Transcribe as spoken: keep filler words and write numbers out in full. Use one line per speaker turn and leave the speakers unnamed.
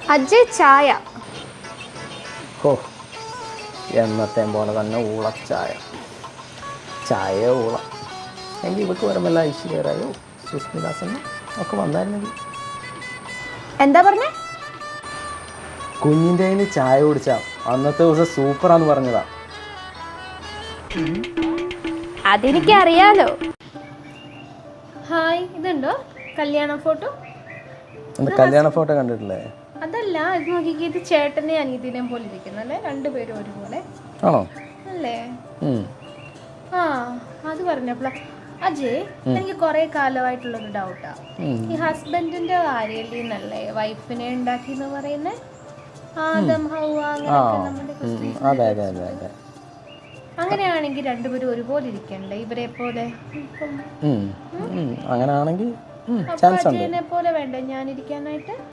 അജയ് ചായ.
ഓ എന്നത്തെ പോലെ തന്നെ ഊളച്ചായ. ചായ ഊള എങ്കിൽ ഇവർക്ക് വരുമ്പോൾ ഐശ്വര്യരായോ സുസ്മിദാസനും ഒക്കെ വന്നായിരുന്നെങ്കിൽ.
എന്താ പറഞ്ഞേ?
കുഞ്ഞിൻ്റെ കയ്യിൽ ചായ കുടിച്ചാ അന്നത്തെ ദിവസം സൂപ്പറാന്ന് പറഞ്ഞതാ.
അതെനിക്കറിയാലോ. ഹായ്, ഇതുണ്ടോ കല്യാണ ഫോട്ടോ?
കല്യാണ ഫോട്ടോ കണ്ടിട്ടില്ലേ?
അതല്ല, ഇത് നോക്കിക്കേ, ഇത് ചേട്ടനെ അനിയത്തിനെയും പോലെ ഇരിക്കുന്നു അല്ലേ? രണ്ടുപേരും ഒരുപോലെ
ആണോ?
അല്ലേ? ആ അത് പറഞ്ഞപ്പോഴാ അജയ്, എനിക്ക് കുറെ കാലമായിട്ടുള്ളൊരു ഡൗട്ടാ. ഈ ഹസ്ബൻഡിന്റെ കാര്യല്ലേ നല്ലേ വൈഫിനെ ഉണ്ടാക്കി എന്ന് പറയുന്നേ? ആദം ഹൗവ അങ്ങനെയൊക്കെ. അങ്ങനെയാണെങ്കിൽ രണ്ടുപേരും ഒരുപോലെ ഇരിക്കണ്ടേ ഇവരെ പോലെ?
അങ്ങനെയാണെങ്കിൽ
അജയനെ പോലെ വേണ്ടേ ഞാൻ ഇരിക്കാനായിട്ട്?